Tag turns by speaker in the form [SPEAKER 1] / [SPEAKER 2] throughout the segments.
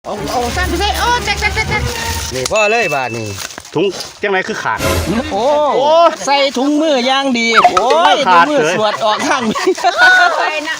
[SPEAKER 1] โอ้สั้นไปใช่โอ้แจ๊ก
[SPEAKER 2] นี่พ่อเลยบาทนี่
[SPEAKER 3] ถุงจังไรคือขาด
[SPEAKER 2] โอ้ใส่ถุงมือย่างดีโอ้ยถุงมือสวดออกข้างนี้
[SPEAKER 1] ไปนะ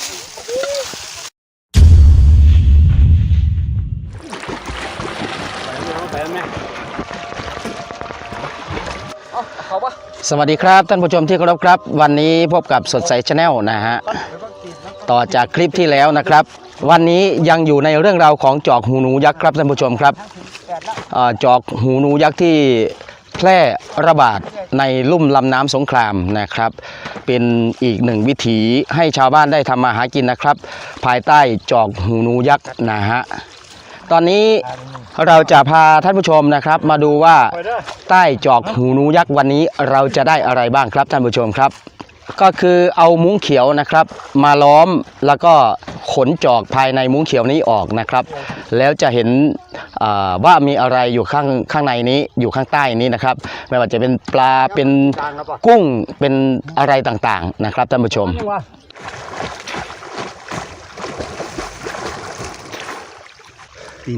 [SPEAKER 2] สวัสดีครับท่านผู้ชมที่เคารพครับวันนี้พบกับสดใสชาแนลนะฮะต่อจากคลิปที่แล้วนะครับวันนี้ยังอยู่ในเรื่องราวของจอกหูหนูยักษ์ครับท่านผู้ชมครับจอกหูหนูยักษ์ที่แพร่ระบาดในลุ่มลำน้ำสงครามนะครับเป็นอีกหนึ่งวิถีให้ชาวบ้านได้ทำมาหากินนะครับภายใต้จอกหูหนูยักษ์นะฮะตอนนี้เราจะพาท่านผู้ชมนะครับมาดูว่าใต้จอกหูหนูยักษ์วันนี้เราจะได้อะไรบ้างครับท่านผู้ชมครับก็คือเอามุ้งเขียวนะครับมาล้อมแล้วก็ขนจอกภายในมุ้งเขียวนี้ออกนะครับแล้วจะเห็นว่ามีอะไรอยู่ข้างในนี้อยู่ข้างใต้นี้นะครับไม่ว่าจะเป็นปลาเป็นกุ้งเป็นอะไรต่างๆนะครับท่านผู้ชม
[SPEAKER 3] ตีน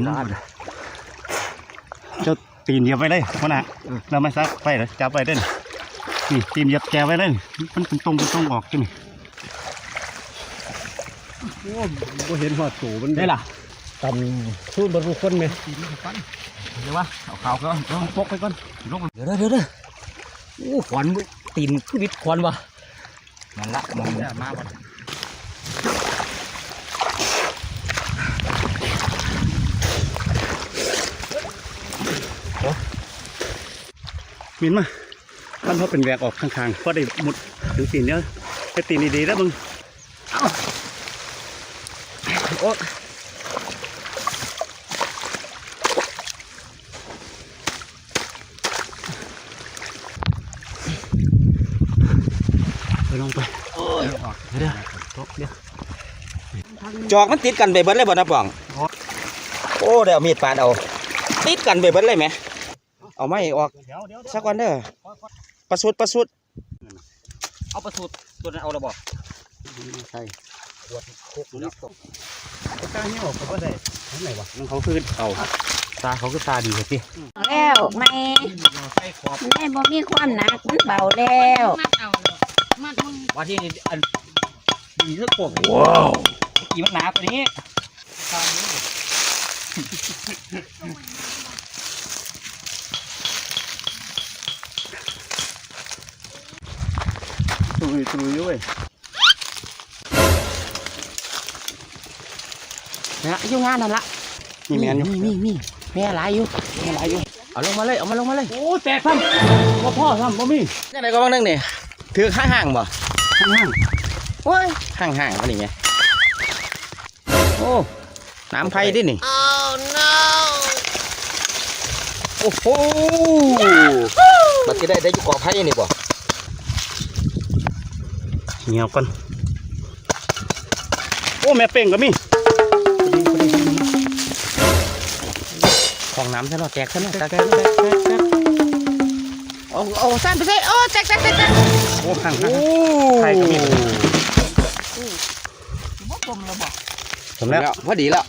[SPEAKER 3] เจ้าตีนเหยียบไปเลยพ่อนะเราไม่ซักไปเลยจับไปเด่นนี่ตีนเหยียบแกไว้เลยมันเป็นตรงออกจังนี่โอ้บ่เห็นหัวสูมันได้ล่ะตำสู้บรรลุคนไหมเดี๋ยววะเอาข่าวก็ต้องปกไปก่อน
[SPEAKER 2] เดี๋ยวโอ้ขวัญตีนคือวิทย์ขวัญวะนั่นละมองมาบ่
[SPEAKER 3] มินมาท่านเขาเป็นแหวกออกข้างๆเพราะได้หมดถึงตีนเนี้ยไปตีนดีๆแล้วมึงโอ้ไปลงไปเดี๋ยว
[SPEAKER 2] จอกมันติดกันไปเบิ้ลเลยบ่นะป่องโอ้เดี๋ยวมีดปาดเอาติดกันไปเบิ้ลเลยไหมเอาไม่ออกสักวันเด้อประสุดเอาประสุดตัวนั้นเอาระบอก
[SPEAKER 3] ใช่ปวดคุกนี่ตาเหี้ยวเขาก็ได้ทั้งไหนวะมันเขาคือเอาตาเขาคือตาดีเลยพี่
[SPEAKER 1] แล้วไม่บ่มีความหนักมันเบาแล้ว
[SPEAKER 2] ว่าที่อันมีเรื่องโป่งว้าวกี่มันหนาตัวนี้
[SPEAKER 3] ตุยด้วย
[SPEAKER 2] นะยุ่งงานนั่นละ
[SPEAKER 3] มีแมนอยู่
[SPEAKER 2] มีแม่หลายอยู่เอาลงมาเลย
[SPEAKER 3] โอ้แตกซ้ำพ่อซ้ำบ่มี
[SPEAKER 2] ยังไงก็บ้างนึงนี่ถือห่างบ่
[SPEAKER 3] ห่าง
[SPEAKER 2] โอ้ยห่างก็นี่ไงโอ้น้ำไผ่ดินี่โอ้โหบัดที่ได้อยู่กอไผ่นี่บ่
[SPEAKER 3] เงียวก่อนโอ้แม่เป่งก็มี
[SPEAKER 2] ของน้ำใช่ไหมแจกใช่ไหมแจก
[SPEAKER 1] โอ้สั้นไปใช่โอ้แจ๊ก
[SPEAKER 3] โอ้ห่างใครก็มี
[SPEAKER 1] บ่กลมแล้วบ่
[SPEAKER 2] ผมแล้วพอดีแล้ว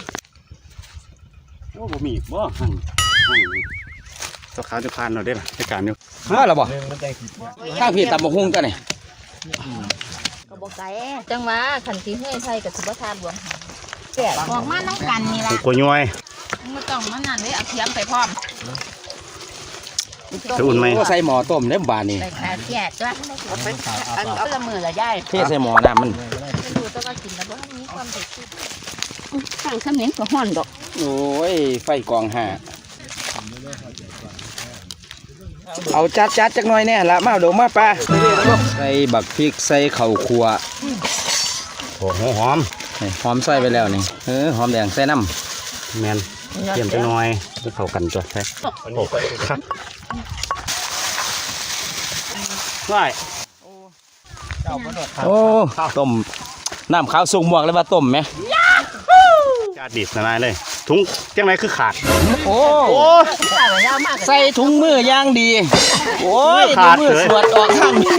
[SPEAKER 3] โอ้บ่มีบ่ห่างตัวขาวจะพานเราได้หรอในการนี้
[SPEAKER 2] มาแล้วบ่ข้างพี่ตำบกหุ่งตัวนี่
[SPEAKER 1] ก็บ่ไกลจังหวะขันสีเฮ้ยใส่กับสิบทานหลวงแก่ออกมาน้ำกันนี่ละ
[SPEAKER 3] กลัวย้อย
[SPEAKER 1] ไม่ต้องมันนั่นเลยเอาเทียมไปพร้อม
[SPEAKER 3] จะอุ่นไหม
[SPEAKER 2] ใส่หม้อต้มเล็บบานนี่
[SPEAKER 1] ใส่ขาแก่จ้ะเอาละมือละย่าย
[SPEAKER 2] เทใส่หม้อน้ำมัน
[SPEAKER 1] ดูต้องก็กินแล้วว่ามีความสุขข้างข้ามเน้นก็ห่อนดอก
[SPEAKER 2] โอ้ยไฟกองห่าเอาจัดจักหน่อยเนี่ยละมาดูมาปลาใส่บักพริกใส่ข้าวคั่ว
[SPEAKER 3] โอ้โหหอม
[SPEAKER 2] ใส่ไปแล้วนี่หอมแดงใส่น้ำ
[SPEAKER 3] แมนเตรียมไปหน่อยจะเข้ากันจ้ะใช่โอ้ครับได้
[SPEAKER 2] โอ้ต้มน้ำขาวสุกหมวกเลยว่าต้มไหม
[SPEAKER 3] จาดิบนายเลยถุงจังไรคือขาด
[SPEAKER 2] โอ้ใส่ถุงมือย่างดีโอ้ยถุงมือสวดออกข้างนี้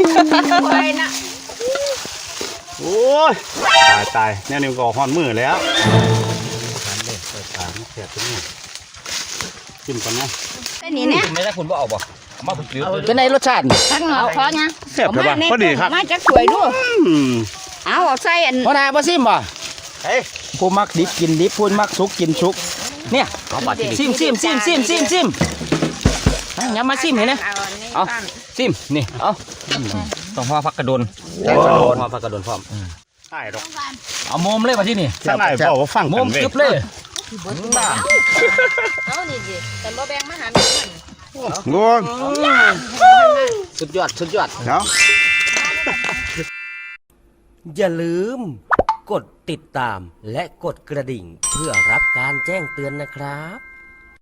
[SPEAKER 3] โอ้ยตายแน่นี่ก็ห่อนมือแล้วซ่บตัวนี้จิ้มก่อนนะ
[SPEAKER 1] เป็นนี่เนี่ย
[SPEAKER 3] ไม่ได้คุณบ่เอาบ่มาผมซื้อ
[SPEAKER 2] เป็นไงรสชาติ
[SPEAKER 1] ทั้งหนอพอไง
[SPEAKER 3] แซ่บครับพอดีครับ
[SPEAKER 1] มาจากสวยดูเอาใส่อัน
[SPEAKER 2] พ่อนาบ่ซิมบ่
[SPEAKER 3] เฮ้ย
[SPEAKER 2] ผู้มักดิบกินดิบผู้มักสุกกินสุกเนี่ย
[SPEAKER 3] เอาบาดที่
[SPEAKER 2] ซิมอย่ามาซิมเห็นนะ
[SPEAKER 1] เอา
[SPEAKER 2] ซิมนี่เอา
[SPEAKER 3] ต้องห่อผักกระโดน
[SPEAKER 2] ได้กระโดนมาผักกระโดนพร้อม
[SPEAKER 3] ใช่ดอก
[SPEAKER 2] เอามุมเลยมาที่นี่
[SPEAKER 3] ข้างในบอกว่าฟัง
[SPEAKER 2] มุ
[SPEAKER 3] กั
[SPEAKER 2] ม
[SPEAKER 3] นเว้ย
[SPEAKER 2] กึบเลย
[SPEAKER 1] เอานี่ดิแต่บ่แบ่งมาหาแม่มัน
[SPEAKER 3] งวง
[SPEAKER 2] สุดยอด
[SPEAKER 3] เนาะ
[SPEAKER 4] อย่าลืม กดติดตามและกดกระดิ่งเพื่อรับการแจ้งเตือนนะครับ